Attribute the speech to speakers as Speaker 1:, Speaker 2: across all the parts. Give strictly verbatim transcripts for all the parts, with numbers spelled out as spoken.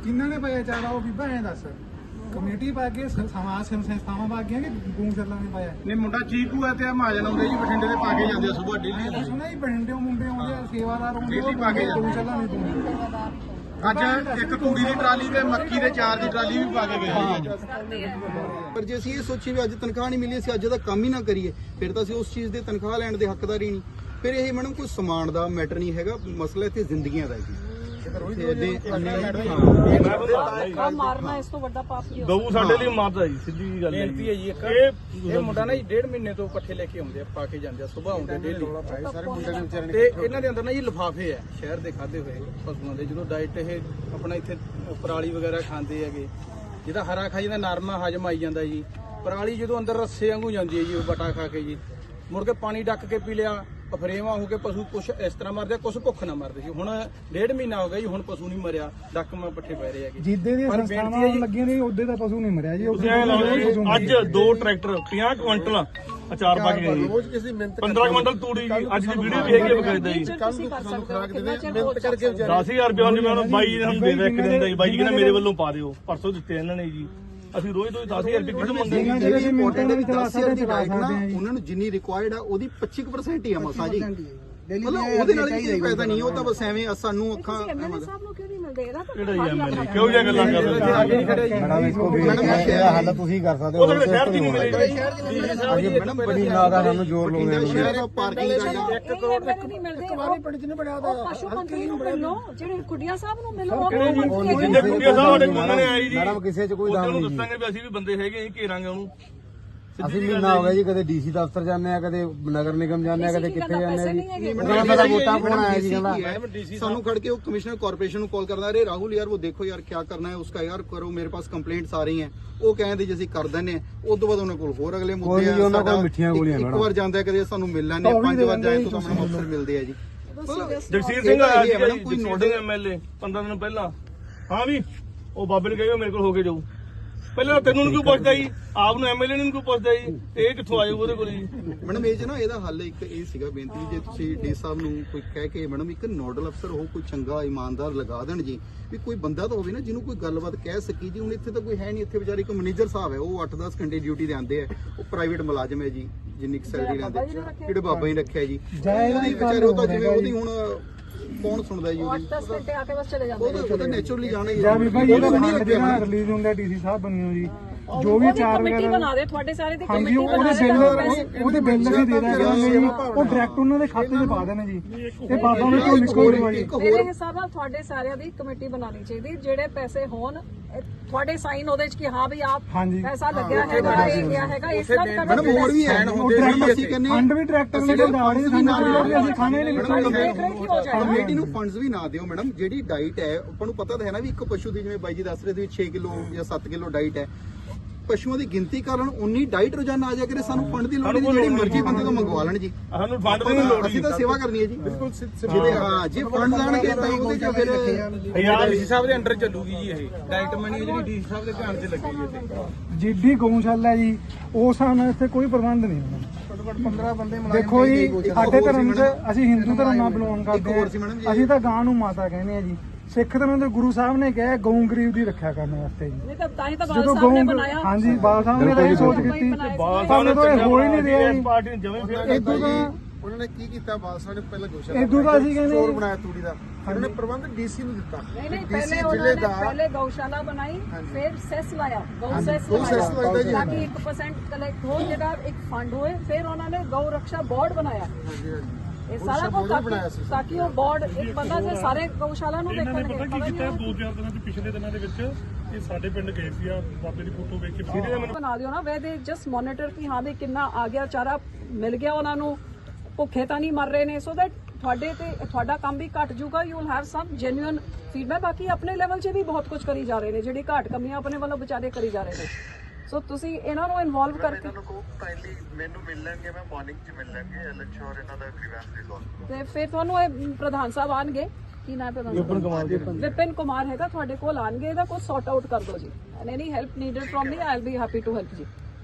Speaker 1: ਕਿੰਨਾਂ ਨੇ ਪਾਇਆ ਚਾਰਾ ਉਹ ਬੀਬਾ ਐਂ ਦੱਸ ਕਮੇਟੀ ਪਾ ਕੇ ਸਮਾਜ ਸੰਸਥਾਵਾਂ ਪਾ ਗਈਆਂ ਕਿ ਗਊਸ਼ਾਲਾ ਨੇ ਪਾਇਆ?
Speaker 2: ਨਹੀਂ ਮੁੰਡਾ ਚੀਕੂ ਹੈ ਤੇ ਮਹਾਜਨ ਆਉਂਦੇ ਜੀ ਬਠਿੰਡੇ ਦੇ ਪਾ ਕੇ ਜਾਂਦੇ ਆ ਸੁਬਾਹ ਡੇਲੀ।
Speaker 1: ਸੁਣਾ ਜੀ ਬਠਿੰਡੇ ਮੁੰਡੇ ਆਉਂਦੇ ਆ ਸੇਵਾਦਾਰ ਆਉਂਦੇ
Speaker 2: ਡੇਲੀ ਪਾ ਕੇ
Speaker 1: ਗਊਸ਼ਾਲਾ ਨਹੀਂ ਪਾਉਂਦੇ।
Speaker 2: ਅੱਜ ਇੱਕ ਤੂੜੀ ਦੀ ਟਰਾਲੀ ਤੇ ਮੱਕੀ ਦੇ ਚਾਰ ਦੀ ਟਰਾਲੀ ਵੀ ਪਾ ਕੇ ਗਏ ਅੱਜ।
Speaker 3: ਪਰ ਜੇ ਅਸੀਂ ਇਹ ਸੋਚੀਏ ਵੀ ਅੱਜ ਤਨਖਾਹ ਨਹੀਂ ਮਿਲੀ ਅਸੀਂ ਅੱਜ ਦਾ ਕੰਮ ਹੀ ਨਾ ਕਰੀਏ ਫਿਰ ਤਾਂ ਅਸੀਂ ਉਸ ਚੀਜ਼ ਦੇ ਤਨਖਾਹ ਲੈਣ ਦੇ ਹੱਕਦਾਰ ਹੀ ਨਹੀਂ। ਫਿਰ ਇਹ ਮੈਡਮ ਕੋਈ ਸਮਾਨ ਦਾ ਮੈਟਰ ਨਹੀਂ ਹੈਗਾ, ਮਸਲਾ ਇੱਥੇ ਜ਼ਿੰਦਗੀਆਂ ਦਾ ਹੈ ਜੀ।
Speaker 4: ਮਾਰਨਾ ਇਸ ਤੋਂ ਵੱਡਾ ਪਾਪ ਕੀ
Speaker 5: ਗਊ ਸਾਡੇ ਲਈ ਮਾਰਦਾ ਜੀ, ਸਿੱਧੀ ਜੀ ਗੱਲ ਹੈ।
Speaker 2: ਬੇਨਤੀ ਹੈ ਜੀ ਇੱਕ ਇਹ ਇਹ ਮੁੰਡਾ ਨਾ ਜੀ ਡੇਢ ਮਹੀਨੇ ਤੋਂ ਪੱਠੇ ਲੈ ਕੇ ਆਉਂਦੇ ਆ ਪਾ ਕੇ ਜਾਂਦੇ ਆ ਸੁਬਾਹ ਆਉਂਦੇ ਡੇਲੀ ਸਾਰੇ ਮੁੰਡੇ ਦੇ ਵਿਚਾਰੇ ਤੇ ਇਹਨਾਂ ਦੇ ਅੰਦਰ ਨਾ ਜੀ ਲਿਫਾਫੇ ਆ ਸ਼ਹਿਰ ਦੇ ਖਾਦੇ ਹੋਏ ਪਸ਼ੂਆਂ ਦੇ ਜਦੋਂ ਡਾਈਟ ਇਹ ਆਪਣਾ ਇੱਥੇ ਪਰਾਲੀ ਵਗੈਰਾ ਖਾਂਦੇ ਹੈਗੇ ਜਿਹਦਾ ਹਰਾ ਖਾ ਜਾਂਦਾ ਨਰਮਾ ਹਜਮ ਆਈ ਜਾਂਦਾ ਜੀ। ਪਰਾਲੀ ਜਦੋਂ ਅੰਦਰ ਰੱਸੇ ਵਾਂਗੂ ਜਾਂਦੀ ਹੈ ਜੀ ਉਹ ਬਟਾ ਖਾ ਕੇ ਜੀ ਮੁੜ ਕੇ ਪਾਣੀ ਡੱਕ ਕੇ ਪੀ ਲਿਆ ਅਫਰੇਵਾ ਹੋ ਕੇ ਪਸ਼ੂ ਕੁਛ ਇਸ ਤਰ੍ਹਾਂ ਮਰਦੇ ਕੁਛ ਭੁੱਖ ਨਾ ਮਰਦੇ ਸੀ। ਹੁਣ ਡੇਢ ਮਹੀਨਾ ਹੋ ਗਿਆ ਜੀ ਹੁਣ ਪਸ਼ੂ ਨਹੀਂ ਮਰਿਆ ਡੱਕ ਮੈਂ ਪੱਠੇ ਪੈ ਰਹੇ ਹੈਗੇ
Speaker 1: ਜਿੱਦੇ ਦੀਆਂ ਸੰਸਥਾਵਾਂ ਲੱਗੀਆਂ ਨੇ ਉਹਦੇ ਦਾ ਪਸ਼ੂ ਨਹੀਂ ਮਰਿਆ ਜੀ।
Speaker 5: ਅੱਜ ਦੋ ਟਰੈਕਟਰ ਪੰਜਾਹ ਕੁਇੰਟਲ ਅਚਾਰ ਪਾ ਕੇ ਗਏ ਜੀ, ਪੰਦਰਾਂ ਕੁਇੰਟਲ ਤੂੜੀ ਜੀ। ਅੱਜ ਦੀ ਵੀਡੀਓ ਵੀ ਹੈਗੀ ਹੈ ਬਕਾਇਦਾ ਜੀ। ਦਸ ਹਜ਼ਾਰ ਰੁਪਏ ਉਹਨੇ ਮੈਨੂੰ ਬਾਈ ਨੇ ਸਾਨੂੰ ਦੇ ਦਿੱਤਾ ਇੱਕ ਦਿਨ ਦਾ ਜੀ। ਬਾਈ ਜੀ ਕਹਿੰਦਾ ਮੇਰੇ ਵੱਲੋਂ ਪਾ ਦਿਓ, ਪਰਸੋਂ ਦਿੱਤੇ ਇਹਨਾਂ ਨੇ ਜੀ। ਅਸੀਂ ਰੋਜ਼ ਰੋਜ਼ ਦਸ ਹਜ਼ਾਰ ਰੁਪਏ ਕਿਹਨੂੰ ਮੰਗਦੇ ਜੀ?
Speaker 3: ਉਹਨਾਂ ਨੂੰ ਜਿੰਨੀ ਰਿਕੁਆਇਰਡ ਆ ਉਹਦੀ ਪੱਚੀ ਪਰਸੈਂਟ ਹੀ ਆ ਮਸਾ ਜੀ। ਮਤਲਬ ਉਹਦੇ ਨਾਲ ਕੋਈ ਫਾਇਦਾ ਨਹੀਂ, ਉਹ ਤਾਂ ਬਸ ਐਵੇਂ ਸਾਨੂੰ ਅੱਖਾਂ
Speaker 4: ਐਮਐਲਏ ਸਾਹਿਬ ਨੂੰ ਕਿਉਂ ਨਹੀਂ ਮਿਲਦੇ? ਇਹਦਾ ਤਾਂ
Speaker 5: ਕਿਹੜਾ ਜੀ ਐਮਐਲਏ ਕਿਉਂ ਜਿਹਾ ਗੱਲਾਂ ਕਰ ਰਹੇ?
Speaker 6: ਮੈਡਮ ਇਸਕੋ ਵੀ ਇਹਦਾ ਹੱਲ ਤੁਸੀਂ ਕਰ ਸਕਦੇ ਹੋ।
Speaker 5: ਉਹ ਸਾਡੇ ਸ਼ਹਿਰ ਦੀ ਨਹੀਂ ਮਿਲੇਗੀ।
Speaker 6: ਅਜੇ ਮੈਡਮ ਬੜੀ ਨਾ ਦਾ ਸਾਨੂੰ ਜ਼ੋਰ ਲਾਉਂਦੇ ਨੇ।
Speaker 3: ਸ਼ਹਿਰ ਦਾ ਪਾਰਕਿੰਗ ਦਾ ਜਾਂ
Speaker 4: ਇੱਕ ਕਰੋੜ ਨਹੀਂ ਮਿਲਦੇ। ਵਾਲੀ ਪਿੰਡ ਚ ਨਹੀਂ ਬਣਿਆ ਦਾ ਪਸ਼ੂ ਮੰਤਰੀ ਨੂੰ ਮਿਲੋ, ਜਿਹੜੇ ਕੁੜੀਆਂ ਸਾਹਿਬ ਨੂੰ ਮਿਲੋ। ਉਹ
Speaker 5: ਜਿੰਨੇ ਕੁੜੀਆਂ ਸਾਹਿਬ ਸਾਡੇ ਕੋਲ ਨੇ ਆਈ ਜੀ
Speaker 6: ਮੈਡਮ ਕਿਸੇ ਚ ਕੋਈ ਦਾਮ
Speaker 5: ਉਹਨੂੰ
Speaker 6: ਨਹੀਂ।
Speaker 5: ਦੱਸਾਂਗੇ ਵੀ ਅਸੀਂ ਵੀ ਬੰਦੇ ਹੈਗੇ ਅਸੀਂ ਘੇਰਾਂਗੇ ਉਹਨੂੰ।
Speaker 6: ਅਸੀਂ ਮਹੀਨਾ ਹੋ ਗਿਆ ਜੀ ਕਦੇ ਡੀਸੀ ਦਫ਼ਤਰ ਜਾਂਦੇ ਆ, ਕਦੇ ਨਗਰ ਨਿਗਮ ਜਾਂਦੇ ਆ, ਕਦੇ ਕਿੱਥੇ ਜਾਂਦੇ ਆ ਜੀ। ਮੇਰਾ ਵੋਟਾਂ ਪਾਉਣ ਆਇਆ ਜੀ ਕਹਿੰਦਾ
Speaker 3: ਸਾਨੂੰ ਖੜ के वो कमिश्नर कॉर्पोरेशन को कॉल करना, अरे राहुल यार वो देखो यार क्या करना है उसका यार करो, मेरे पास कंप्लेंट्स आ रही हैं। ਉਹ ਕਹਿੰਦੇ ਜੀ ਅਸੀਂ ਕਰ ਦਿੰਨੇ ਉਸ ਤੋਂ ਬਾਅਦ ਉਹਨਾਂ ਕੋਲ ਹੋਰ ਅਗਲੇ ਮੁੱਦੇ ਆ।
Speaker 6: ਉਹਨਾਂ ਕੋਲ ਮਿੱਠੀਆਂ ਗੋਲੀਆਂ
Speaker 3: ਇੱਕ ਵਾਰ ਜਾਂਦਾ ਕਦੇ ਸਾਨੂੰ ਮਿਲ ਲੈਂਦੇ ਆ, ਪੰਜ ਵਾਰ ਜਾਏ ਤਾਂ ਸਾਨੂੰ ਅਫਸਰ ਮਿਲਦੇ ਆ ਜੀ।
Speaker 5: ਜਗਸੀਰ ਸਿੰਘ ਆਇਆ ਸੀ ਮੈਡਮ ਕੋਈ ਨੋਡਿੰਗ ਐਮਐਲਏ ਪੰਦਰਾਂ ਦਿਨ ਪਹਿਲਾਂ। ਹਾਂ ਵੀ ਉਹ ਬਾਬੇ ਨੇ ਕਹੇਗਾ ਮੇਰੇ ਕੋਲ ਹੋ ਕੇ ਜਾਊ। ਪਹਿਲਾਂ ਤੈਨੂੰ ਕਿਉਂ ਪੁੱਛਦਾ ਜੀ, ਆਪ ਨੂੰ ਐਮਐਲਏ ਨੂੰ ਕਿਉਂ ਪੁੱਛਦਾ ਜੀ? ਇਹ ਕਿੱਥੋਂ ਆਏ ਉਹਦੇ ਕੋਲ ਜੀ?
Speaker 3: ਮੈਡਮ ਇਹ 'ਚ ਨਾ ਇਹਦਾ ਹੱਲ ਇੱਕ ਇਹ ਸੀਗਾ ਬੇਨਤੀ, ਜੇ ਤੁਸੀਂ ਡੀ ਸਾਹਿਬ ਨੂੰ ਕੋਈ ਕਹਿ ਕੇ ਮੈਡਮ ਇੱਕ ਨੋਡਲ ਅਫਸਰ ਉਹ ਕੋਈ ਚੰਗਾ ਇਮਾਨਦਾਰ ਲਗਾ ਦੇਣ ਜੀ, ਵੀ ਕੋਈ ਬੰਦਾ ਤਾਂ ਹੋਵੇ ਨਾ ਜਿਹਨੂੰ ਕੋਈ ਗੱਲਬਾਤ ਕਹਿ ਸਕੀ ਜੀ। ਹੁਣ ਇੱਥੇ ਤਾਂ ਕੋਈ ਹੈ ਨਹੀਂ, ਇੱਥੇ ਵਿਚਾਰੇ ਇੱਕ ਮੈਨੇਜਰ ਸਾਹਿਬ ਹੈ ਉਹ ਅੱਠ ਦਸ ਘੰਟੇ ਡਿਊਟੀ ਤੇ ਆਉਂਦੇ ਆ, ਉਹ ਪ੍ਰਾਈਵੇਟ ਮੁਲਾਜ਼ਮ ਹੈ ਜੀ ਜਿੰਨੀ ਸੈਲਰੀ ਲੈਂਦੇ, ਜਿਹੜੇ ਬਾਬਾ ਹੀ ਰੱਖਿਆ ਜੀ ਉਹਦੀ ਵਿਚਾਰੇ ਉਹ ਤਾਂ ਜਿਵੇਂ ਉਹਦੀ ਹੁਣ ਕੌਣ ਸੁਣਦਾ ਜੀ ਉਹਦੀ
Speaker 4: ਦਸ ਘੰਟੇ ਆ ਕੇ ਬਸ ਚਲੇ ਜਾਂਦੇ
Speaker 3: ਉਹ ਤਾਂ ਨੇਚਰਲੀ ਜਾਣਾ ਹੀ
Speaker 1: ਜਾਂ ਵੀ ਭਾਈ ਇਹਦਾ ਫੰਡ ਜਿਹੜਾ ਰਿਲੀਜ਼ ਹੁੰਦਾ ਡੀਸੀ ਸਾਹਿਬ ਬਣਿਓ ਜੀ ਜੋ ਵੀ ਚਾਰ
Speaker 4: ਕਮੇਟੀ ਬਣਾ ਦੇ ਤੁਹਾਡੇ ਸਾਰੇ ਦੀ
Speaker 1: ਹਾਂਜੀ
Speaker 4: ਕਮੇਟੀ
Speaker 1: ਉਹਦੇ
Speaker 4: ਬਣਾ
Speaker 1: ਬਿੱਲ ਉਹਦੇ ਬਿੱਲ ਅਸੀਂ ਦੇ ਦਾਂਗੇ ਜੀ, ਉਹ ਡਾਇਰੈਕਟ ਉਹਨਾਂ ਦੇ ਖਾਤੇ 'ਚ ਪਾ ਦੇਣੇ ਜੀ ਤੇ ਬਾਬਾ ਨੂੰ ਕੋਈ ਨਿਕਲ ਜੂਗਾ ਜੀ।
Speaker 4: ਮੇਰੇ ਹਿਸਾਬ ਨਾਲ ਤੁਹਾਡੇ ਸਾਰਿਆਂ ਦੀ ਕਮੇਟੀ ਬਣਾਉਣੀ ਚਾਹੀਦੀ, ਜਿਹੜੇ ਪੈਸੇ ਹੋਣ ਤੁਹਾਡੇ ਸਾਈਨ ਉਹਦੇ 'ਚ ਕਿ ਹਾਂ ਵੀ ਆਪ ਪੈਸਾ ਲੱਗਿਆ ਹੈਗਾ ਇਹ ਗਿਆ ਹੈਗਾ ਇਸ ਤਰ੍ਹਾਂ
Speaker 3: ਮੈਡਮ ਹੋਰ ਵੀ ਹੈ ਹੁੰਦੇ ਅਸੀਂ ਕਹਿੰਦੇ
Speaker 1: ਫੰਡ ਵੀ ਟਰੈਕਟਰ ਨੇ ਦਾੜੇ ਸਾਨੂੰ ਅਸੀਂ ਖਾਣੇ ਨਹੀਂ
Speaker 3: ਕਮੇਟੀ ਨੂੰ ਫੰਡਸ ਵੀ ਨਾ ਦਿਓ ਮੈਡਮ। ਜਿਹੜੀ ਡਾਈਟ ਹੈ ਆਪਾਂ ਨੂੰ ਪਤਾ ਤਾਂ ਹੈ ਨਾ ਵੀ ਇੱਕ ਪਸ਼ੂ ਦੀ ਜਿਵੇਂ ਬਾਈ ਜੀ ਦੱਸ ਰਹੇ ਸੀ ਛੇ ਕਿਲੋ ਜਾਂ ਸੱਤ ਕਿਲੋ ਡਾਈਟ ਹੈ, ਪਸ਼ੂਆਂ ਦੀ ਗਿਣਤੀ ਕਰਨ ਉਨੀ ਡਾਈਟ ਰੋਜ਼ਾਨਾ ਆ ਜਾ ਕਰੇ, ਸਾਨੂੰ ਫੰਡ ਦੀ ਲੋੜ ਨਹੀਂ, ਜਿਹੜੀ ਮਰਜ਼ੀ ਬੰਦੇ ਤੋਂ ਮੰਗਵਾ ਲੈਣ ਜੀ।
Speaker 5: ਸਾਨੂੰ ਫੰਡ ਦੀ ਲੋੜ
Speaker 3: ਅਸੀਂ ਤਾਂ ਸੇਵਾ ਕਰਨੀ ਹੈ ਜੀ ਬਿਲਕੁਲ। ਜਿਹਦੇ ਹਾਂ ਜੇ ਫੰਡ ਲਾਣਗੇ ਤਾਂ ਉਹਦੇ ਚ ਫਿਰ
Speaker 2: ਯਾਰ ਡੀਸੀ ਸਾਹਿਬ ਦੇ ਅੰਡਰ ਚੱਲੂਗੀ ਜੀ ਇਹ ਡਾਈਟ ਮਨੀ ਜਿਹੜੀ ਡੀਸੀ ਸਾਹਿਬ ਦੇ ਧਿਆਨ 'ਚ ਲੱਗੀ ਹੈ।
Speaker 1: ਜਿੱਡੀ ਗਊਸ਼ਾਲਾ ਜੀ ਉਸ ਸਾਨੂੰ ਇੱਥੇ ਕੋਈ ਪ੍ਰਬੰਧ ਨਹੀਂ ਹੁੰਦਾ।
Speaker 3: ਪੰਦਰਾਂ ਬੰਦੇ
Speaker 1: ਦੇਖੋ ਜੀ ਸਾਡੇ ਧਰਮ 'ਚ ਅਸੀਂ ਹਿੰਦੂ ਧਰਮ ਨਾਲ ਬਿਲੋਂਗ ਕਰਦੇ ਹਾਂ, ਅਸੀਂ ਤਾਂ ਗਾਂ ਨੂੰ ਮਾਤਾ ਕਹਿੰਦੇ ਆ ਜੀ। ਸਿੱਖ ਧਰਮ ਦੇ ਗੁਰੂ ਸਾਹਿਬ ਨੇ ਕਿਹਾ ਗਊ ਗਰੀਬ ਦੀ ਰੱਖਿਆ ਕਰਨ ਵਾਸਤੇ ਜੀ।
Speaker 4: ਨਹੀਂ ਤਾਂ ਤਾਂ ਹੀ ਤਾਂ ਬਾਲ ਸਾਹਿਬ ਨੇ ਬਣਾਇਆ।
Speaker 1: ਹਾਂਜੀ ਬਾਲ ਸਾਹਿਬ ਨੇ ਤਾਂ ਇਹ ਸੋਚ ਕੀਤੀ, ਸਾਨੂੰ ਤਾਂ ਇਹ ਹੋ ਹੀ ਨਹੀਂ ਰਿਹਾ ਜੀ।
Speaker 5: ਪਾਰਟੀ ਨੇ ਜਮੇ ਫੇਰ
Speaker 1: ਇਦੋਂ ਤਾਂ
Speaker 2: ਉਹਨਾਂ ਨੇ ਕੀ ਕੀਤਾ ਬਾਲ ਸਾਹਿਬ ਨੇ ਪਹਿਲਾਂ ਗੋਸ਼ਾਲਾ
Speaker 1: ਇਦੋਂ ਤਾਂ ਅਸੀਂ ਕਹਿੰਦੇ
Speaker 2: ਸਟੋਰ ਬਣਾਇਆ ਤੂੜੀ ਦਾ, ਉਹਨਾਂ ਨੇ ਪ੍ਰਬੰਧ ਡੀਸੀ ਨੂੰ ਦਿੱਤਾ।
Speaker 4: ਨਹੀਂ ਨਹੀਂ ਪਹਿਲੇ ਉਹਨਾਂ ਨੇ ਪਹਿਲੇ ਗਊਸ਼ਾਲਾ ਬਣਾਈ ਫਿਰ ਸੈਸ ਲਾਇਆ, ਗਊ ਸੈਸ ਲਾਇਆ ਤਾਂ ਕਿ ਇੱਕ ਪਰਸੈਂਟ ਕਲੈਕਟ ਹੋ ਜਿਹੜਾ ਇੱਕ ਫੰਡ ਹੋਏ। ਫਿਰ ਉਹਨਾਂ ਨੇ ਗਊ ਰੱਖਿਆ ਬੋਰਡ ਬਣਾਇਆ, ਇਹ ਸਾਰਾ ਕੁਝ ਤਾਂ ਕਿ ਉਹ ਬੋਰਡ ਇੱਕ ਬੰਦਾ ਜੇ ਸਾਰੇ ਗਊਸ਼ਾਲਾ ਨੂੰ ਦੇਖਣਗੇ।
Speaker 5: ਪਤਾ ਕੀ ਕੀਤਾ ਦੋ ਚਾਰ ਦਿਨਾਂ ਦੇ ਪਿਛਲੇ ਦਿਨਾਂ ਦੇ ਵਿੱਚ ਇਹ ਸਾਡੇ ਪਿੰਡ ਗਏ ਸੀ ਆ ਬਾਬੇ ਦੀ ਫੋਟੋ ਵੇਖ ਕੇ
Speaker 4: ਬਣਾ ਦਿਓ ਨਾ ਵੇ ਦੇ ਜਸਟ ਮੋਨੀਟਰ ਕਿ ਹਾਂ ਵੀ ਕਿੰਨਾ ਆ ਗਿਆ ਚਾਰਾ ਮਿਲ ਗਿਆ ਉਹਨਾਂ ਨੂੰ, ਭੁੱਖੇ ਤਾਂ ਨਹੀਂ ਮਰ ਰਹੇ ਨੇ, ਸੋ ਦੈਟ ਤੁਹਾਡੇ ਤੇ ਤੁਹਾਡਾ ਕੰਮ ਵੀ ਘਟ ਜਾਊਗਾ। You will have some genuine feedback. ਬਾਕੀ ਆਪਣੇ ਲੈਵਲ 'ਚ ਵੀ ਬਹੁਤ ਕੁਝ ਕਰੀ ਜਾ ਰਹੇ ਨੇ, ਜਿਹੜੀ ਘਾਟ ਕਮੀਆਂ ਆਪਣੇ ਵੱਲੋਂ ਵਿਚਾਰੇ ਕਰੀ ਜਾ ਰਹੇ ਨੇ। ਸੋ ਤੁਸੀਂ ਇਹਨਾਂ ਨੂੰ ਇਨਵੋਲਵ ਕਰਕੇ
Speaker 7: ਮੈਨੂੰ ਮਿਲ ਲੈਣਗੇ, ਮੈਂ ਮਾਰਨਿੰਗ 'ਚ ਮਿਲ ਲੈਣਗੇ ਐਲਐਚਆਰ ਇਹਨਾਂ ਦਾ ਗ੍ਰੀਵੈਂਸ ਰਿਜ਼ੋਲਵ
Speaker 4: ਤੇ ਫਿਰ ਤੁਹਾਨੂੰ ਇਹ ਪ੍ਰਧਾਨ ਸਾਹਿਬ ਆਣਗੇ, ਕੀ ਨਾਮ ਪ੍ਰਧਾਨ ਵਿਪਨ ਕੁਮਾਰ ਵਿਪਨ ਕੁਮਾਰ ਹੈਗਾ ਤੁਹਾਡੇ ਕੋਲ ਆਣਗੇ, ਇਹਦਾ ਕੁਝ ਸੌਟ ਆਊਟ ਕਰ ਦਿਓ ਜੀ। And any help needed from me I will be happy to help ਜੀ।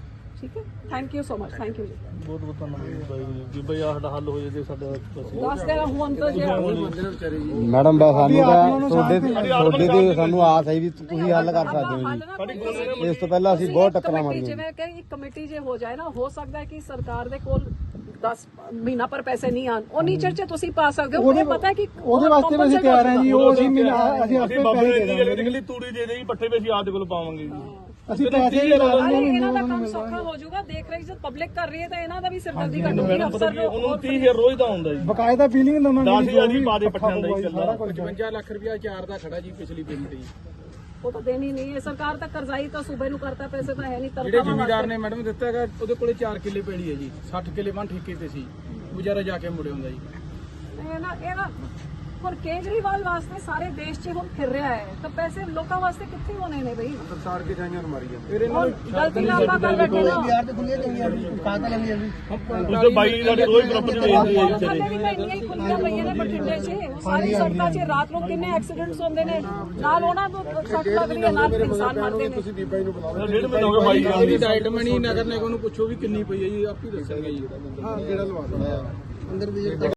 Speaker 4: ਠੀਕ ਹੈ thank you so much thank you ਜੀ
Speaker 5: ਬਹੁਤ ਬਹੁਤ ਧੰਨਵਾਦ ਬਾਈ ਜੀ ਕਿ ਬਈ ਆਹ ਸਾਡਾ ਹੱਲ ਹੋ ਜਾਵੇ ਸਾਡਾ ਬਸ
Speaker 4: ਦੱਸ ਦੇਣਾ ਹੁਣ ਤਾਂ ਜੇ
Speaker 6: ਮੈਡਮ ਬਸ ਸਾਨੂੰ ਤਾਂ ਤੁਹਾਡੇ ਤੁਹਾਡੇ ਤੇ ਸਾਨੂੰ ਆਸ ਹੈ ਵੀ ਤੁਸੀਂ ਹੱਲ ਕਰ ਸਕਦੇ ਹੋ ਜੀ ਇਸ ਤੋਂ ਪਹਿਲਾਂ ਅਸੀਂ ਬਹੁਤ ਟੱਕਰਾਂ ਮਾਰੀਆਂ
Speaker 4: ਜਿਵੇਂ ਕਿ ਇੱਕ ਕਮੇਟੀ ਜੇ ਹੋ ਜਾਏ ਨਾ ਹੋ ਸਕਦਾ ਹੈ ਕਿ ਸਰਕਾਰ ਦੇ ਕੋਲ ਦਸ ਮਹੀਨਾ ਪਰ ਪੈਸੇ ਨਹੀਂ ਆਣ ਉਹ ਨੀਚਰ ਚ ਤੁਸੀਂ ਪਾ ਸਕਦੇ ਹੋ ਉਹਨੂੰ ਪਤਾ ਹੈ ਕਿ
Speaker 1: ਉਹਦੇ ਵਾਸਤੇ ਵੀ ਅਸੀਂ ਤਿਆਰ ਹਾਂ ਜੀ ਉਹ ਅਸੀਂ ਮਿਲਾ ਅਸੀਂ ਆਪੇ
Speaker 5: ਬਾਬੇ
Speaker 1: ਪੈਸੇ
Speaker 5: ਨੇ
Speaker 1: ਦੇ
Speaker 5: ਗੱਲ ਨਿਕਲੀ ਤੂੜੀ ਦੇ ਦੇ ਜੀ ਪੱਠੇ ਵੀ ਅਸੀਂ ਆਪ ਦੇ ਕੋਲ ਪਾਵਾਂਗੇ ਜੀ
Speaker 1: ਅਸੀਂ ਪੈਸੇ ਵੀ ਲਾ
Speaker 4: ਅਰੇ
Speaker 1: ਦਾਂਗੇ
Speaker 4: ਇਹਨਾਂ ਦਾ ਕੰਮ ਸੌਖਾ ਹੋ ਜਾਊਗਾ ਦੇਖ ਰਹੀ ਜਦ ਪਬਲਿਕ ਕਰ ਰਹੀ ਹੈ ਤਾਂ ਇਹਨਾਂ ਦਾ ਵੀ ਸਿਰਦਰਦੀ ਘਟੂਗੀ ਅਫਸਰ ਨੂੰ
Speaker 5: ਉਹਨੂੰ ਤੀਹ ਹਜ਼ਾਰ ਰੋਜ਼ ਦਾ ਹੁੰਦਾ ਜੀ
Speaker 1: ਬਕਾਇਦਾ ਬਿਲਿੰਗ ਦਵਾਂਗੇ
Speaker 5: ਦਸ ਹਜ਼ਾਰ ਦੀ ਪਾ ਦੇ ਪੱਠਿਆਂ ਦਾ ਹੀ ਚੱਲਦਾ
Speaker 2: ਪਚਵੰਜਾ ਲੱਖ ਰੁਪਇਆ ਚਾਰ ਦਾ ਖੜਾ ਜੀ ਪਿਛਲੀ ਪੇਮੈਂਟ ਜੀ
Speaker 4: ਉਹ ਤਾਂ ਦੇਣੀ ਨਹੀਂ ਹੈ ਸਰਕਾਰ ਤਾਂ ਕਰਜ਼ਾਈ ਤਾਂ ਸੂਬੇ ਨੂੰ ਕਰਤਾ ਪੈਸੇ ਤਾਂ ਹੈ ਨਹੀਂ
Speaker 2: ਜਿਹੜੇ
Speaker 4: ਤਰਕਾ
Speaker 2: ਜ਼ਿਮੀਦਾਰ ਨੇ ਮੈਡਮ ਦਿੱਤਾ ਹੈਗਾ ਉਹਦੇ ਕੋਲੇ ਚਾਰ ਕਿੱਲੇ ਪੈਲੀ ਹੈ ਜੀ ਸੱਠ ਕਿੱਲੇ ਵਨ ਠੇਕੇ ਤੇ ਸੀ ਗੁਜ਼ਾਰਾ ਜਾ ਕੇ ਮੁੜੇ ਹੁੰਦਾ ਜੀ
Speaker 4: ਇਹ ਨਾ ਇਹ ਨਾ ਹੁਣ ਕੇਜਰੀਵਾਲ ਵਾਸਤੇ ਸਾਰੇ ਦੇਸ਼ 'ਚ ਹੁਣ ਫਿਰ ਰਿਹਾ ਹੈ ਤਾਂ ਪੈਸੇ ਲੋਕਾਂ ਵਾਸਤੇ ਕਿੱਥੇ ਹੋਣੇ ਨੇ ਬਈ
Speaker 3: ਸਰਕਾਰ ਕੇ ਜਾਈਆਂ ਮਾਰੀ
Speaker 2: ਫਿਰ ਇਹਨਾਂ
Speaker 4: ਹੁਣ ਗਲਤੀ ਨਾਲ ਆਪਾਂ ਕਰ ਬੈਠੇ ਨਾ
Speaker 5: ਉਹਦੇ ਬਾਈ ਸਾਡੇ ਰੋਜ਼ ਪ੍ਰਾਪਰਟੀ ਵੇਚਦੇ ਆ ਜੀ
Speaker 4: ਥੱਲੇ ਵੀ ਤਾਂ ਇੰਨੀਆਂ ਹੀ ਖੁੱਲੀਆਂ ਪਈਆਂ ਨੇ ਬਠਿੰਡੇ 'ਚ ਉਹ ਸਾਰੀ ਸੜਕਾਂ 'ਚ ਰਾਤ ਨੂੰ ਕਿੰਨੇ ਐਕਸੀਡੈਂਟਸ ਹੁੰਦੇ ਨੇ ਨਾਲ ਉਹਨਾਂ ਨੂੰ ਸੱਟ ਲੱਗਦੀ ਹੈ ਨਾਲ ਇਨਸਾਨ ਮਰਦੇ ਨੇ
Speaker 5: ਡੇਢ ਮਹੀਨਾ ਹੋ ਗਿਆ ਬਾਈ ਜਾਂਦੀ
Speaker 2: ਇਹਦੀ ਡਾਈਟ ਮਨੀ ਨਗਰ ਨਿਗਮ ਨੂੰ ਪੁੱਛੋ ਵੀ ਕਿੰਨੀ ਪਈ ਹੈ ਜੀ ਆਪ ਹੀ ਦੱਸਣਗੇ ਜੀ
Speaker 3: ਜਿਹੜਾ ਲਵਾ ਅੰਦਰ ਦੀ